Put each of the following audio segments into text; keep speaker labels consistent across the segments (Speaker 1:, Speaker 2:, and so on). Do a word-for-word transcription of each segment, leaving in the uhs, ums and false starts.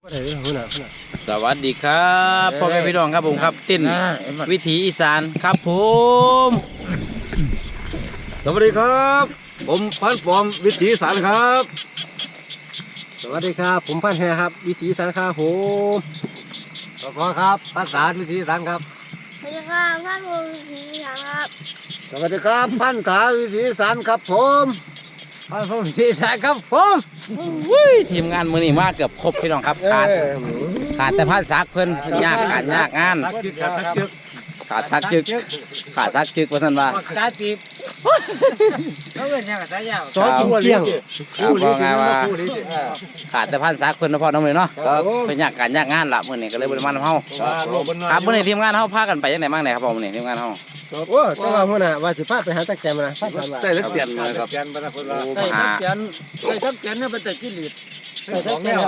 Speaker 1: สวัสดีครับพ่อแม่พี่น้องครับผมครับติ้นวิถีอีสานครับผม
Speaker 2: สวัสดีครับผมพันปอมวิถีอีสานครับ
Speaker 3: สวัสดีครับผมพันแฮครับวิถีอีสานครับผมสวัสดีครับพันสารวิถีอีสานครับ
Speaker 4: สวัสดีครับท่านผู้ชมครับ
Speaker 3: สวัสดีครับพันขาวิถีอีสานครับผมพันผมวิถีอีสานครับผม
Speaker 1: อุ้ยทีมงานมือนี่มาเกือบครบพี่น้องครับขาดขาดแต่พันซักเพิ่นยากการยากงานขาดซักจึกขาดซักจึกว่าท่านว่า
Speaker 5: ตาตีบเขาเป็นยังไงสายยาว
Speaker 3: สอนกินเกี้ยง
Speaker 1: ครับว่าไงว่าขาดแต่พันซักเพิ่นนะพ่อน้องเลยเนาะเพิ่นยากการยากงานละมื้อนี้ก็เลยบ่ได้มานํเฮาครับมื้อนี้ทีมงานเฮาพากันไปจังได๋บ้างไหนครับพ่อมื้อนี้ทีมงานเฮา
Speaker 3: โอ้แต่ว่าพ่อน่ะว่าสิพาไปหาตักแกมนะ
Speaker 2: ได้เล็กเตียนเลยครับ
Speaker 1: โอ้หา
Speaker 5: ไอ้ทักแกนเนี่ยเป็นแต่กิเลส
Speaker 3: ตักแกมครับ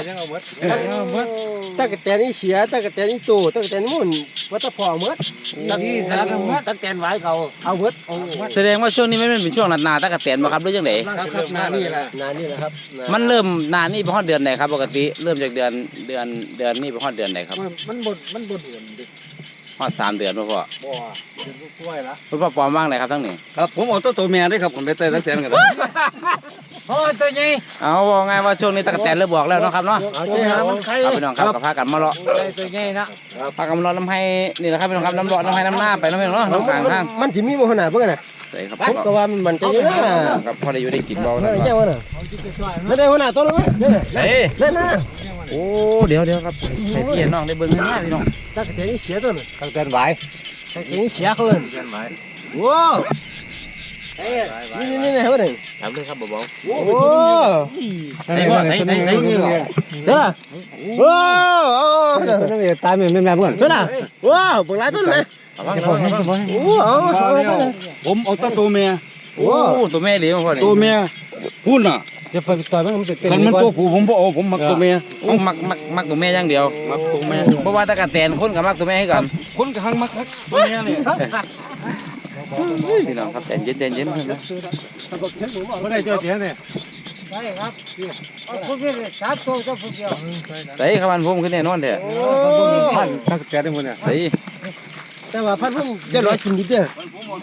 Speaker 3: ตักแกมนี่เสียตักแกมนี่ตู้ตักแกมนี่มุ่นวัตถุพอหมด
Speaker 5: ตักนี่สารพัด
Speaker 3: ตักแกมไว้เขาเอาหมด
Speaker 1: แสดงว่าช่วงนี้มันเป็นช่วงหนาๆตะกะแตนบ่ครับหรือจังได๋
Speaker 3: ครับครับนานี่แหละนานี่แหละครับ
Speaker 1: มันเริ่มหนานี่เป็นฮอดเดือนไหนครับปกติเริ่มจากเดือนเดือนเดือนนี้เป็นฮอดเดือนไหนครับ
Speaker 5: มันบดมันบดเดือนดิ
Speaker 1: ฮอดสามเดือนบ่พ่อ
Speaker 5: บ่เดือนกล้วยละ
Speaker 1: คุณพ่อปอมว่างไหนครับทั้งนี้
Speaker 2: ครับผมเอาตัวตัวเมียได้ครับผมไปเตะเล็กเตียนกัน
Speaker 5: โอ้ตัวใหญ่
Speaker 1: เอาว่าไงว่าช่วงนี้ตะกะแตนเริ่มบอกแล้วเนาะครับเนาะ
Speaker 3: เอาเจ้ามันใคร
Speaker 1: เอาพี่น้องครับก็พากันมาเลาะ
Speaker 5: ได้ตัวใหญ่นะ
Speaker 1: พากันมาเลาะน้ำให้นี่แหละครับพี่น้องครับน้ำเลาะน้ำให้น้ำหน้าไปน้ำพี่น้องเนาะน้ำกลางทาง
Speaker 3: มันสิมีบ่ขนาดเพิ่นน่ะ
Speaker 1: ใส่ครับ
Speaker 3: ผมก็ว่ามันมันจะอยู่นะครับ
Speaker 1: พอได้อยู่ได้กินเบา
Speaker 3: นั่
Speaker 1: นะ
Speaker 3: นเจ้าน่ะไม่ได้ขนาดตัวนึงนี่
Speaker 1: เฮ้ย
Speaker 3: เล่นนะ
Speaker 1: โอ้เดี๋ยวเดี๋ยวครับให้พี่น้องได้เบิ่งให้ง่ายพี่น้อง
Speaker 3: ตักแกมนี่เสียตัวนึง
Speaker 5: ตักแกนไหว
Speaker 3: ตักแกมนี่เสียเขาเลยว้าวนี่นี่นี่เฮ้ยนี่
Speaker 1: ถามเลยครับบ่าว
Speaker 3: โอ้
Speaker 1: ใส่บ่ใส่ใส่ใส่
Speaker 3: เด้อว้าว
Speaker 5: ตัวนี้ตายเหมือนแม่เพื่อน
Speaker 3: เด้อว้าวปลาตัวไหน
Speaker 1: เอาว่าพ่อ
Speaker 3: โอ้เอา
Speaker 2: ผมเอาตัวตัวเมีย
Speaker 1: โอ้ตัวแม่ดีมาพ่อนี่
Speaker 2: ตัวเมียพูดน่ะ
Speaker 5: จะไฟต่อยมันมันจะเป็น
Speaker 2: คันมันตัวผู้ผมบ่เอาผมมักตัวเมีย
Speaker 1: โอ้มักมักมักตัวแม่อย่างเดียว
Speaker 2: มักตัวเมีย
Speaker 1: เพราะว่าตะกะแตนคนกับมักตัวแม่ให้กัน
Speaker 2: คนกระหังมักตัวเมียนี่
Speaker 1: พี่น้องครับใจเย็นใจเย็น
Speaker 5: ไม่ได้เจอเสียเนี่ยใช่ครับเอาพวกนี้สามตัวก็พวกเดียว
Speaker 1: ใส่ขมันพุ่มขึ้นแน่นอนเถอะ
Speaker 5: พันตักแกนได้หมดเนี่ย
Speaker 1: ใส่
Speaker 3: แต่ว่าพันพุ่มจะร้อยกินดิเด้อ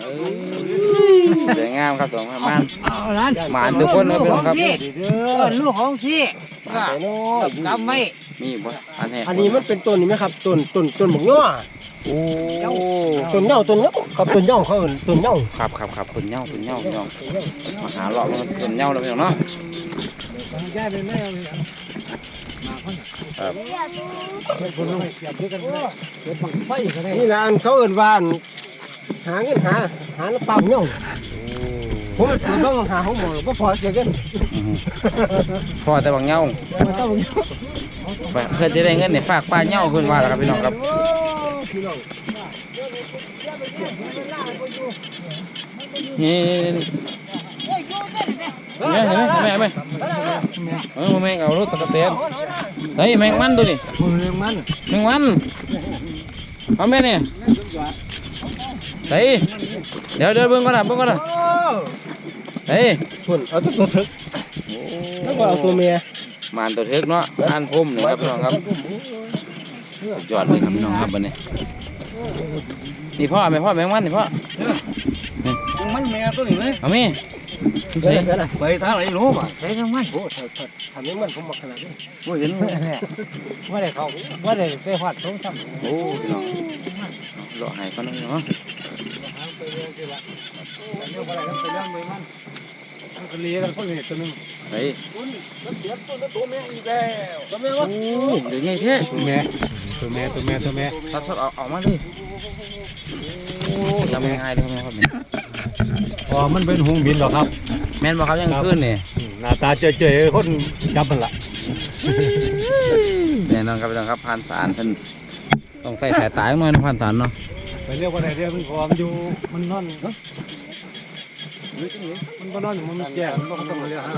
Speaker 1: สวยงามครับสองประมาณ
Speaker 5: เอาล้าน
Speaker 1: หมานทุกคนนะพี่น้องครับ
Speaker 3: เด้อ
Speaker 5: ลูกของที่
Speaker 3: ใส่น้อย
Speaker 5: กำไม่
Speaker 1: มีบ่อันนี้
Speaker 3: อันนี้มันเป็นต้นนี่ไหมครับต้นต้นต้นหมกย่อ
Speaker 1: โอ้
Speaker 3: ต้นเหย้าต้นเหย้ากับต้นเหย้าเขาเอิ้นต้นเหย้า
Speaker 1: ครับครับครับตุนเหย้าตุนเหย้าพี่น้องมาหาเลาะมันตุนเหย้าแล้วพี่น้องเนาะ
Speaker 5: แย่เป็นแม่
Speaker 1: ครับ
Speaker 5: ไฟกันเลย
Speaker 3: นี่แหละอันเขาเอิ้นว่าอันหาเงินหาหาแล้วปั๊มเหย้าผมไปเปิดบ้างหาของหมอบ่พอเสียเงิน
Speaker 1: พ่อแต่บางเหย้า
Speaker 3: มันต้องเหย้า
Speaker 1: ไปเพื่อจะได้เงินเนี่ยฝากป้าเหย้าขึ้นมาแล้วครับพี่น้องครับ
Speaker 3: พี่น้อง
Speaker 1: นี่นี่นี่เห็นไหมเห็นไหมเห็นไหมเออแมงเอารถตะกะเตนเฮ้ยแมงมันตัวนี้
Speaker 5: มันเรื่องมัน
Speaker 1: แมงมันเอาแม่เนี่ยเฮ้ยเดี๋ยวเดี๋ยวเบิ่งก่อนนะเบิ่งก่อนนะเฮ้ย
Speaker 3: พุ่นเอาตัวตัวถึกแล้วก็เอาตัวเมีย
Speaker 1: มานตัวเทกเนาะอ่านพุ่มนี่ครับพี่น้องครับจอดเลยครับพี่น้องครับบัดนี้นี่พ่อแม่พ่อแมงมันนี่พ่อ
Speaker 2: มันเมียตัวนี้เลย
Speaker 1: เอามี
Speaker 3: เดี๋ยวเดี๋ยวนะ
Speaker 2: ไปทางไหนรู้ป่ะ
Speaker 5: ใช้ทั้งมัน
Speaker 3: โอ้ถ้าถ้าทำให้มันผมมักขนาดนี้
Speaker 1: โอ้ยเห็น
Speaker 5: ว่าได้เขาว่าได้ไปหอดสองสาม
Speaker 1: โอ้พี่น้องเลาะให้เขาหน่อยเนาะ
Speaker 5: เรื่องอะไรกันไปเรื่องมือมันมันก็เลี้ยกันพวกนี้ตัวนึง
Speaker 1: เฮ้ย
Speaker 2: ตัวเมียอีกแล้ว
Speaker 3: ตัวเมียวะ
Speaker 1: โอ้เดี๋ยวใหญ่แท้
Speaker 5: ตัวแม่ตัวแม่ตัวแม่ตัวแม่
Speaker 1: ทับทับเอาเอามาเลยโอ้ทำง่ายเลยครับแม่ครับ
Speaker 5: อ๋อมันเป็นหงบินหรอครับ
Speaker 1: แม่นบ่ครับยังขึ้นนี่
Speaker 5: หน้าตาเจ๋ยๆคนจับมันละ
Speaker 1: แน่นอนครับพี่น้องครับผ่านสารเพิ่นต้องใส่สายตาหน่อยนะผ่านสารเนาะ
Speaker 5: ไปเรียกว่าอะไรเรียกมันพอมันอยู่มันนอนมันก็นอนอยู่มันแก่มันก็ต้องมาเรียกหา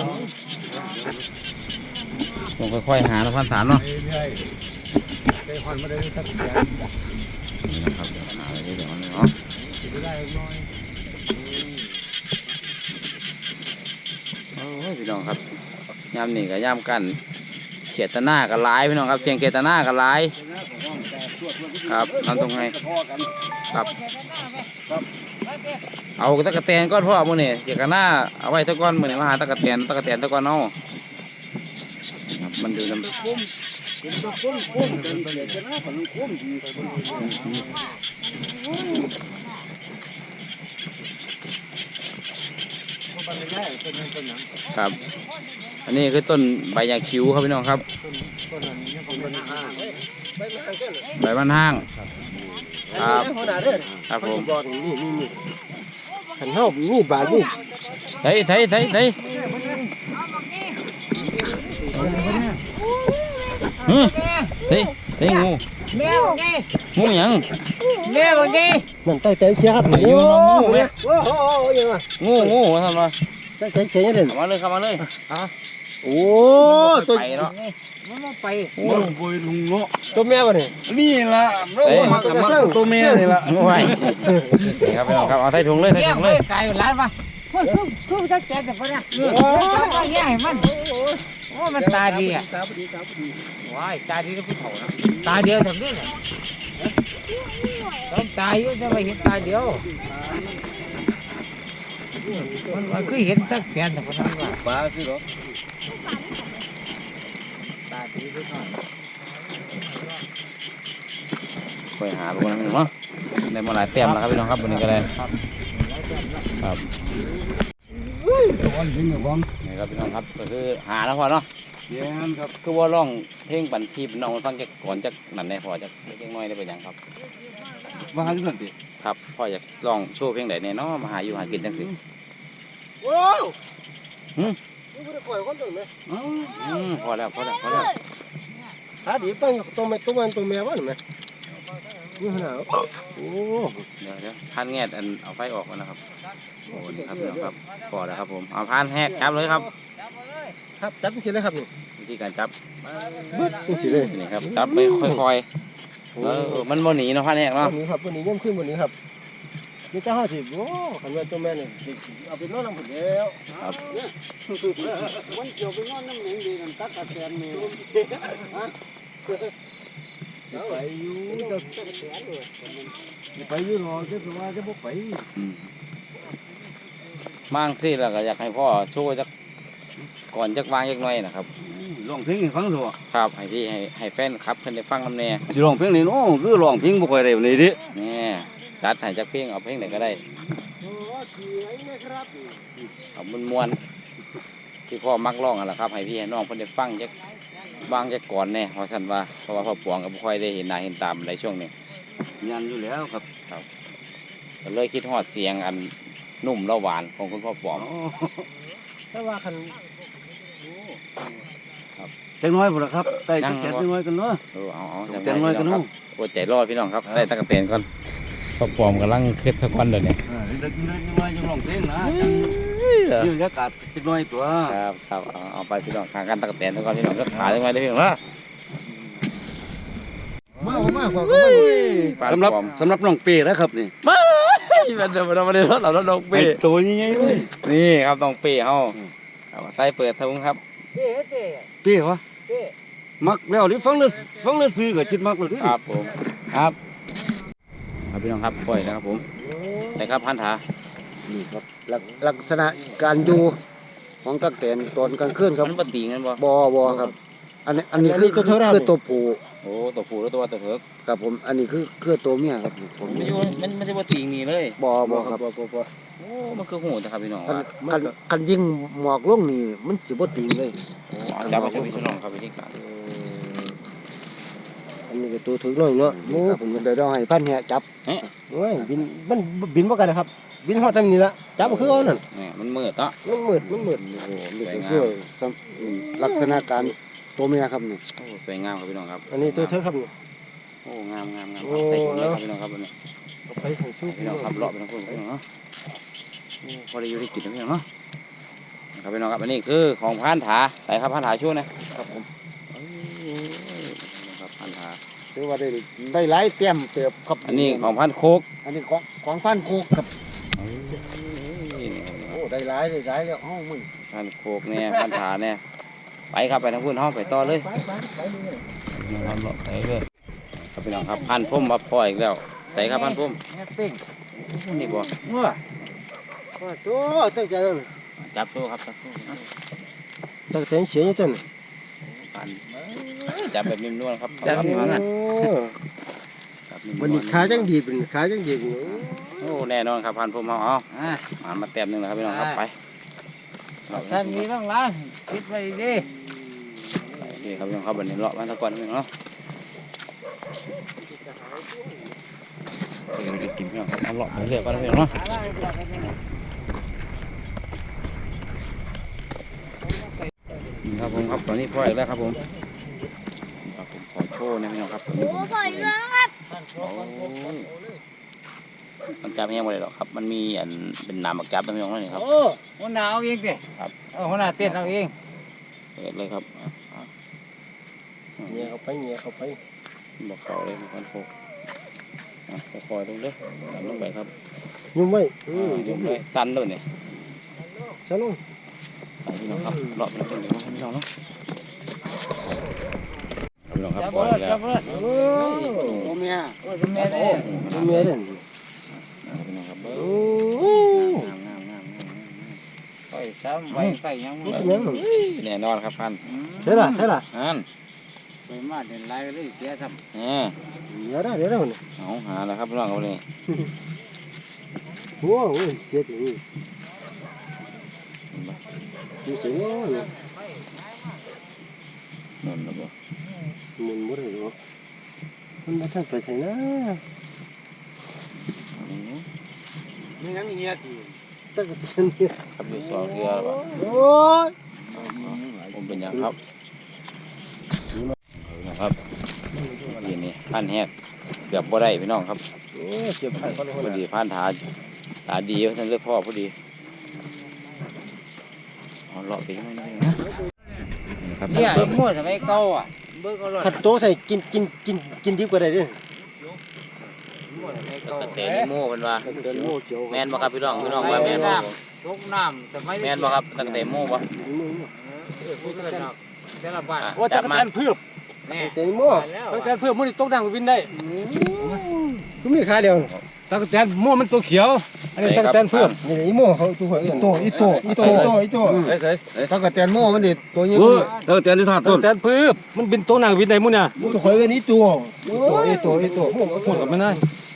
Speaker 1: ต้องค่อยๆหานะผ่านสารเนาะ
Speaker 5: เรื่อยๆไปหอนมาได้สักแก่
Speaker 1: นี่นะครับเดี๋ยวหาอะไรเดี๋ยวนี้เนาะ
Speaker 5: ได้น้อย
Speaker 1: โอ้ยพี่น้องครับยามนี่กับยามกันเขียดตะหน้ากับลายพี่น้องครับเสียงเขียดตะหน้ากับลายครับทำตรงไงครับเอาตะกะแตนก้อนพ่อมือนี่เขียดตะหน้าเอาไว้ตะก้อนมือนี่มาหาตะกะแตนตะกะแตนตะก้อนเอาครับมันดูน้ำครับ อันนี้คือต้นใบยาคิ้วครับพี่น้องครับใบมันห้างครับครับผม
Speaker 3: นี่นี่นี่ขันเท้านี่บาทนี่
Speaker 1: เฮ้ยเฮ้ยเฮ้ยเฮ้ยฮึเฮ้ยเฮ้ยงู
Speaker 5: แม่บอกไง
Speaker 1: งูหยัง
Speaker 5: แม่บอกไง
Speaker 3: นั่นใต้เต็นเชียครับ
Speaker 1: ไอ้ยูน้องงูไหม
Speaker 3: โอ้โหยังไง
Speaker 1: งูงูทำไม
Speaker 3: ใต้เต็นเชียยังไง
Speaker 1: เข้ามาเลยเข้ามาเลย
Speaker 3: โอ้ตัว
Speaker 1: ไปเนาะ
Speaker 5: มันมาไป
Speaker 2: โอ้ยโวยลุงเนาะ
Speaker 3: ตัวแม่วะนี่
Speaker 2: นี่ละโอ้ยมันมันตัวแม่นี่ละ
Speaker 1: งูไว้นี่ครับพี่น้องครับเอาใส่ถุงเลยใส่
Speaker 5: เลี้ยง
Speaker 1: ถุง
Speaker 5: เล
Speaker 1: เลย ย
Speaker 5: ไก่ร้านมาเฮ้ยคือคือจะแจกแต่พอเนี่ยจับมาแย่มันโอ้มันตาดีอ่ะ
Speaker 3: ตาดีตาดี
Speaker 5: ว้ายตาดีแล้วผู้เฒ่านะตาเดียวถึงนี่เนี่ยต้องตาเยอะจะไปเห็นตาเดียวมันมันคือเห็นตั้งแขนแต่คนนั้นว่า
Speaker 2: ปลาสิเหรอ
Speaker 5: ตาดีด้วยหน่อย
Speaker 1: ไปหาลูกนั่นเนาะได้มาหลายเต็มแล้วครับพี่น้องครับวันนี้ก็ได้ครับ
Speaker 2: วันทิ้งกับวัน
Speaker 1: นี่ครับพี่น้องครับก็คือหาแล้วพอเนาะ
Speaker 2: เย็นครับ
Speaker 1: คือว่าร้องเพลงปันทีพี่น้องฟังจากก่อนจากนั่นแน่พอจากเล็กน้อยได้เป็นยังครับ
Speaker 2: มาหาที่นั่นดิ
Speaker 1: ครับพ่ออยากร้องโชว์เพลงไหนแน่เนาะมาหาอยู่หากินจังสิ
Speaker 3: ว้าว
Speaker 1: หืม
Speaker 3: นี่กูจะปล่อยคนตัวไหม
Speaker 2: เอ้า
Speaker 1: อืมพอแล้วพอแล้วพอแล้ว
Speaker 3: ตาดีตั้งตัวแม่ตัวมันตัวแม่วะหรือไงนี่ขนาดโอ้
Speaker 1: เดี๋ยวเดี๋ยวพันแงดอันเอาไฟออกมาแล้วครับโอ้นี่ครับพี่น้องครับพอแล้วครับผมเอาพันแหกจับเลยครับ
Speaker 3: ครับจับทีเลยครับนี่
Speaker 1: วิธีการจับ
Speaker 3: บึ้ดนี่สิเลย
Speaker 1: นี่ครับจับไปค่อยๆเออมันโมหนีเนาะพันแหก
Speaker 3: วั
Speaker 1: เนาะ
Speaker 3: นนี้ครับวันนี้ย่ำขึ้นวันนี้ครับนี่เจ้าห้าสิบโอ้ขันว่าตัวแม่เนี่ยเอาไปนอนน้ำผุดแล้ว
Speaker 1: ครับ
Speaker 3: วันเกี่ยวไปนอนน้ำเหม็นดีกันตักกระแตนเนี่ยไปอยู่จะไปอยู่หรอจะสว่าจะพกไป
Speaker 1: อืมมั่งสิแล้วก็อยากให้พ่อโชว์จักก่อนจักวางจักหน่อยนะครับ
Speaker 2: ร้องเพลงให้ฟังสิวะ
Speaker 1: ครับให้พี่ให้ให้แฟนครับเพิ่นได้ฟังนำแน่
Speaker 2: สิร้องเพลงนี่เนาะคือร้องเพลงบ่ค่อยได้ปานใดเดิ
Speaker 1: นี่จัดให้จักเพลงเอาเพลงไหนก็ได้
Speaker 3: โอ้เสียงนะครับ
Speaker 1: เอามันมวนๆที่พ่อมักร้องอ่ะล่ะครับให้พี่ให้น้องเพิ่นได้ฟังจักวางจักก่อนแน่ว่าซั่นว่าเพราะว่าพ่อปวงก็บ่ค่อยได้เห็นหน้าเห็นตาในช่วงนี้
Speaker 2: ยันอยู่แล้วครับ
Speaker 1: ก็เลยคิดฮอดเสียงอันนุ่มและหวานของคุณพ่อปวง
Speaker 2: อ๋อ
Speaker 3: ถ้าว่าคัน
Speaker 2: จักหน้อยพุ่นล่ะครับใต้จักแก่จักหน้อยกันเนาะ
Speaker 1: เออเอาเอา
Speaker 2: จักหน้อยกันเนาะ
Speaker 1: โอ้ใจรอดพี่น้องครับได้ตะกะเตนก่อนพ่อปวงกำลังเค็ดสักวันเดี๋ยวนี้
Speaker 2: อ่าจักหน้อยจักหน้อยจังร้องเพลงนะจังยืนอากาศจักหน้อยตัว
Speaker 1: ครับครับเอาเอาไปพี่น้องทางกันตะกะเตนก่อนพี่น้องก็ขาได้ไหมได้พี่น้องนะ
Speaker 3: มากมากกว่าก็ไม่
Speaker 2: สำหรับสำหรับน้องเป้นะครับนี่
Speaker 1: มันจะมันไม่ได้รถเรารถน้องเป้
Speaker 2: ไอ้ตัวใหญ่ๆเลย
Speaker 1: นี่ครับน้องเป้เฮาเอามาใส่เปิดทุงครับ
Speaker 5: เต้เต้
Speaker 2: เป้วะ
Speaker 5: เต้
Speaker 2: มักแล้วนี่ฟังแล้วฟังแล้วซื้อก็จิตมักแล้วดิ
Speaker 1: ครับผมครับครับพี่น้องครับปล่อยนะครับผมแต่ครับพันธา
Speaker 3: นี่ครับลักษณะการอยู่ของตักแตนตอนกลางคืนครับ
Speaker 1: มันปฏิงันบ่
Speaker 3: บอบอครับ อันนี้อันนี้คือคือคือตัวผู้
Speaker 1: โอ้ตัวผู้แล้วตัวตัวเถิก
Speaker 3: ครับผมอันนี้คือคือตัวเมียครับผม
Speaker 1: มันอยู่มันไม่ใช่ปฏิงีเลย
Speaker 3: บอบอครับบอบอ
Speaker 1: โอ้มันคือหูนะครับพี่น้อง
Speaker 3: คัน
Speaker 1: ว่า
Speaker 3: คันคันยิงหมอกลงนี่มันสิบ่ติงเลย
Speaker 1: โอ้เอาจับมาใช้พี่น้องครับวิธีการ
Speaker 3: อันนี้ก็ตัวถึงน้อยเนาะนี่ครับผมเดี๋ยวเราให้พันแหจับโอ้ยบินมันบินบ่กันนะครับ บินฮอดทำนี่ละจับก็คือเอานั่น
Speaker 1: นี่มันมืดเนาะ
Speaker 3: มันมืดมันมืดโอ้นี่ก็คือสำอืมลักษณะการตัวเมียครับนี่
Speaker 1: โอ้สวยงามครับพี่น้องครับ
Speaker 3: อันนี้ตัวเธอครับนี่
Speaker 1: โอ้งามงามงาม
Speaker 3: โอ้
Speaker 1: ใส่ถุงเลยครับพี่น้องครับวันนี้
Speaker 3: เอาไปให้สู้
Speaker 1: พี่น้องครับเลาะไปทั้งคนพี่น้องเนาะโอ้พอได้อยู่ได้กินนะพี่น้องเนาะครับพี่น้องครับอันนี้คือของพันธาใส่ครับพันธาช่วยนะครับผมเอ้ยครับพันธา
Speaker 3: ถือว่าได้ได้หลายเตรียมเติบครับ
Speaker 1: อันนี้ของพันโคก
Speaker 3: อันนี้ของของพันโคกครับ
Speaker 1: นี่ครับ
Speaker 3: โอ้ได้หลายได้หลายแล้วเอ้ามึง
Speaker 1: พันโคกเนี่ยพันธาเนี่ยไปครับไปทางพุ่นห้องไปต่อเลย
Speaker 3: ไปไปไปเลย
Speaker 1: นะครับเลาะไปเลยครับพี่น้องครับพันพุ่มมาปล่อยอีกแล้วใส่ครับพันพุ่ม
Speaker 5: แม่ปิ้ง
Speaker 1: นี่บ่
Speaker 5: งัว
Speaker 3: โอ้โหใส่ใจเลย
Speaker 1: จับโซ่ครับจับโซ่นะ
Speaker 3: ตั้งแต่เสียงจัง
Speaker 1: พันจับแบบนิ่มนวลครับ
Speaker 5: จับนี่
Speaker 1: ค
Speaker 5: มั
Speaker 1: รั
Speaker 5: น
Speaker 1: จับนิ่มๆ
Speaker 3: วันนี้ขาจังดีเป็นขาจังดี
Speaker 1: โอ้แน่นอนครับพันพุ่มเอาเอา
Speaker 5: อ่า
Speaker 1: มามาแต้มหนึงแล้วครับพี่น้องครับไป
Speaker 5: ท่านมีบ้างล่ะคิดไว้ดิ
Speaker 1: โอเคครับพี่น้องครับวันนี้เลาะมาตะกอนพี่น้องเนาะไปกินพี่น้องครับเอาเลาะไปเรื่อยก่อนนะพี่น้องเนาะนี่ครับผมครับตอนนี้พ่ออีกแล้วครับผมครับผมขอโชว์นะพี่น้องครับ
Speaker 4: โอ้พ่ออีกแล้วนะครับ
Speaker 1: โอ้ยมันจับแห้งหมดเลยหรอกครับ มันมีอันเป็นน้ำบักจับนะพี่น้องนั่นนี่ครับ
Speaker 5: โอ้หัวหน้าเอาเองดิ
Speaker 1: ครับ
Speaker 5: เอาหัวหน้าเต้นเอาเอง
Speaker 1: เปิดเลยครับอ่ะอ่ะ
Speaker 3: เงี้ยเข้าไปเงี้ยเข้าไป
Speaker 1: บอกเขาเลยมันโคกอ่ะคอยๆลงเด้อตันลงไปครับ
Speaker 3: ยุ่งไว้
Speaker 1: อ่าลงเลยตันเลยเนี่ย
Speaker 3: ฉันลง
Speaker 1: ตันพี่น้องครับรอบแล้วคนเดียวให้พี่น้องเนาะพี่น้องครับ
Speaker 5: จับ
Speaker 1: ปล่
Speaker 5: เบิ
Speaker 1: อย
Speaker 5: ด
Speaker 1: แล้
Speaker 5: จั
Speaker 1: ว
Speaker 5: บเบิด
Speaker 3: โอ้ตัวเมีย
Speaker 5: โอ้ยแม่เด้
Speaker 3: ตัวเมียเด่น
Speaker 1: พี่น้องครับเบิ้
Speaker 3: โอ้
Speaker 1: งามงามงามงามงาม
Speaker 5: ไปซ้ำไปไปยัง
Speaker 3: นี่
Speaker 5: บ่
Speaker 3: เป็นยัง
Speaker 1: แน่นอนครับพัน
Speaker 3: ใช่ล่ะใช่ล่ะ
Speaker 1: อัน
Speaker 5: ไปมาเดินไล่ก็เลยเสียซ้ำ
Speaker 1: นี่
Speaker 3: เดี๋ยวได้เดี๋ยวได้คน
Speaker 1: เอาหาแล้วครับพี่น้องครับนี่
Speaker 3: โอ้โหเสียจริงจริงจริง
Speaker 1: นั่นนะบ่
Speaker 3: มันไม่ได้หรอกมันไม่ทันไปใช่นะ
Speaker 1: อันนี้
Speaker 3: นี่ยังเงี้ยดีตั้งแต่เนี่ย
Speaker 1: ครับอยู่สองเกลือแล้วบ่
Speaker 3: โอ้ย
Speaker 1: ผมเป็นหยังครับพี่น้องครับนี่นี่พันแหกเกือบบ่ได้พี่น้องครับ
Speaker 3: โอ้ยเจ็บไข้ก็เลย
Speaker 1: พอดีพันถาตาดีท่านเลือกพ่อพอดีเอาเลาะไปยังไงนะครับ
Speaker 5: เนี่ยไอ้มั่วสมัยเก่าอ่ะเบิ่งก็รอด
Speaker 3: ขัดโตใส่กินกินกินกินดีกว่าได้ดิ
Speaker 5: มั่วสมัยเก่า
Speaker 1: ตะเตนิโม่เป็นว่า
Speaker 3: เดินโม่เขียว
Speaker 1: แมนบ่ครับพี่น้องพี่น้องว่าแมนบ่
Speaker 5: ตกน้ำสมัย
Speaker 1: แมนบ่ครับตะเตโม่บ่
Speaker 5: พูดกันเนาะแต่ละบ้าน
Speaker 1: อ่ะ
Speaker 3: ว่าจะ
Speaker 1: จับมา
Speaker 3: แทนเพื่อ
Speaker 5: แน่
Speaker 3: เต็มโม่
Speaker 5: แล้ว
Speaker 3: แทนเพื่อมันตกดังวินได้ก็มีขาเดียว
Speaker 2: ตะกแตนม่วมันตัวเขียว อันนี้ตะกแตนเพื่อม
Speaker 3: นี่อีโม่เขาตัวอีโตอีโตอีโตอีโตอีโต
Speaker 2: เฮ้ยเฮ้ย
Speaker 3: ตะกะแตนโม่มันดิตัวนี้
Speaker 2: เออตะกแตนที่ถาดต้นตะกแตนเพื่อมันเป็นตัวหนังวินได้มุ่นเนี่ย
Speaker 3: ตัวข่อยกันนี้ตัวตัวอีโตอีโต
Speaker 2: พูดกับมันได้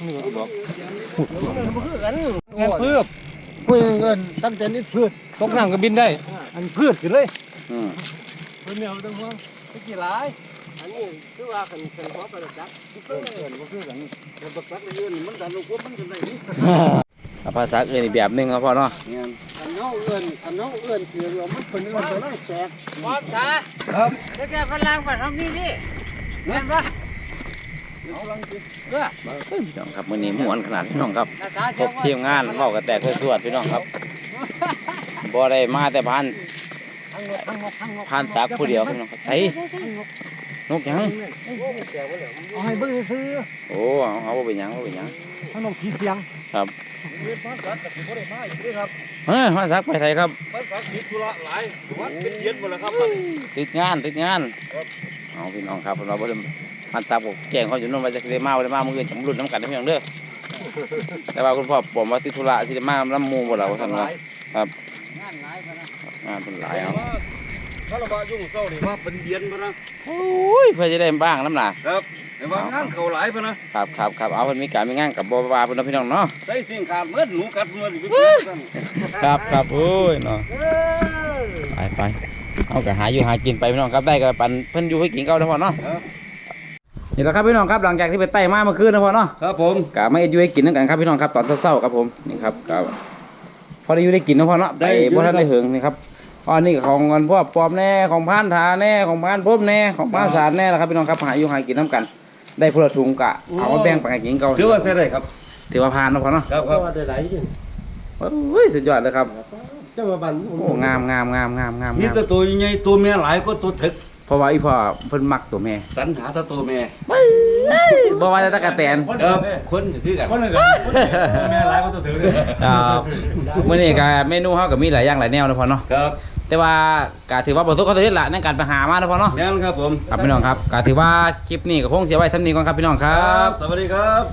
Speaker 3: แทนเพื่อเพื่อเงินตั้งแต่นี้พืช
Speaker 2: ตกหนังก็บินได้ อันพืชขึ้นเลย
Speaker 1: อืม
Speaker 2: เพื่อนเนี่ยต้องห่วงตะกี้หลาย
Speaker 3: อันนี้คือว่าคันคันพอไปจักเพื่อนเพื่อนบ่คือกันแต่บักปักเงินมันดันลูกมันกันได้นี่
Speaker 1: อ่ะภาษาอื่นอีกแบบหนึงครับพ่อเนาะ
Speaker 3: อันน้องเงินอันน้องเงินคือว่ามันเป็นเงินตัวน้อยแสก
Speaker 5: บอสตาครับแล้วแกฝรั่งบ้านเฮามีดิแม่นบ่เอาลังสิเด้อ
Speaker 1: เฮ้ยพี่น้องครับมื้อนี้ม่วนขนาดพี่น้องครับ
Speaker 5: หน้าตา
Speaker 1: คร
Speaker 5: เจ้า
Speaker 1: บทีมงานเว้ากันแตกสวดๆพี่น้องครับบ่ได้มาแต่พัน
Speaker 3: ทั้งนกทั้งนกทั้งนก
Speaker 1: พันสักผู้เดียวพี่น้องครับไสนกหยัง
Speaker 3: เอาให้เบิ่งซื้อ
Speaker 1: โอ้เอาเอาบ่เป็นหยังบ่เป็นหยัง
Speaker 3: ทั้งนกขี้เสียง
Speaker 1: ครับ
Speaker 2: เรียนภาษาแต่ผมไม่ได้มาอีกเลยครับ
Speaker 1: เฮ้ยพันสักไปไสครับ
Speaker 2: ภาษาติดธุระหลายวันเป็นเดือนหมดแล้วครับ
Speaker 1: ติดงานติดงานเอาพี่น้องครับเราบ่ได้พันสักบอกแจ้งเขาอยู่นู่นว่าจะได้มาบ่ได้มามื้ออื่นจะมาลุ้นน้ำกันนะพี่น้องเด้อแต่ว่าคุณพ่อผมว่าติดธุระสิได้มาลำหมู่บ่ล่ะว่าซั่นว่าครับ
Speaker 5: งานหลายพะนะ
Speaker 1: งานเพิ่นหลายเอา
Speaker 2: ถ้าเราบายุ่งเศร้านี่ว่าเป็นเดือนพะนะ
Speaker 1: โอ้ยเพื่อจะได้บ้างน้ำหนา
Speaker 2: ครับแต่ว่างานเขาหลายพะนะครับ
Speaker 1: ครับครับเอาเพิ่นมีการมีงานกับบ่ว่าเพิ่นเนาะพี่น้องเนาะ
Speaker 2: ได้สิ่งขาดเมื่อหนูกัดเมื่อสิ
Speaker 1: ครับครับโอ้ยเนาะไปไปเอาก็หาอยู่หากินไปพี่น้องครับได้ก็ปันเพิ่นอยู่ให้กินเก่าเนาะพ่อเนาะนี่แหละครับพี่น้องครับหลังจากที่ไปไต่มาเมื่อคืนนะพ่อเนาะ
Speaker 2: ครับผม
Speaker 1: ก็มาอยู่ให้กินนั่นกันครับพี่น้องครับตอนเช้าๆครับผมนี่ครับก็พอได้อยู่ได้กินนะพ่อเนาะไปบ่ทันได้เหิงนี่ครับอันนี้ก็ของเงินพวกปลอมแน่ของพานถาแน่ของพานพบแน่ของพานสารแน่ละครับพี่น้องครับหาอยู่หากินน้ำกัน ได้พลถุงกะเอามาแบ่งปันกันกินเก่า
Speaker 2: ถือว่าใช้ได้ครับ
Speaker 1: ถือว่าผ่านนะพ่อเนาะ
Speaker 2: ครับครับ
Speaker 3: ว่าได้หลายจริง
Speaker 1: โอ้ยสุดยอดเลยครับ
Speaker 3: เจ้ามาบัน
Speaker 1: โอ้งามงามงามงามงาม
Speaker 2: มี
Speaker 1: งาม
Speaker 2: แต่ตัวใหญ่ตัวเมียหลายก็ตัวถึก
Speaker 1: เพราะว่าอีพ่อเพิ่นมักตัวแม่
Speaker 2: สรรหาแต่ตัวเมีย
Speaker 1: บ่ว่าแต่ตะกะแตน
Speaker 2: ครับคนก็คือกันคนนึงกันเมียหลายก็ตัวถึกเลย
Speaker 1: ครับมื้อนี้ก็เมนูเฮาก็มีหลายอย่างหลายแนวนะพ่อเนาะ
Speaker 2: ครับ
Speaker 1: แต่ว่าก็ถือว่าประสบความสำเร็จละในการไปหามาแล้วพ่อเนาะ
Speaker 2: แม่นครับผม
Speaker 1: ครับพี่น้องครับก็ถือว่าคลิปนี้ก็คงเสียไว้เท่านี้ก่อนครับพี่น้องค
Speaker 2: ค
Speaker 1: รั
Speaker 2: รับ บ สวัสดีครับ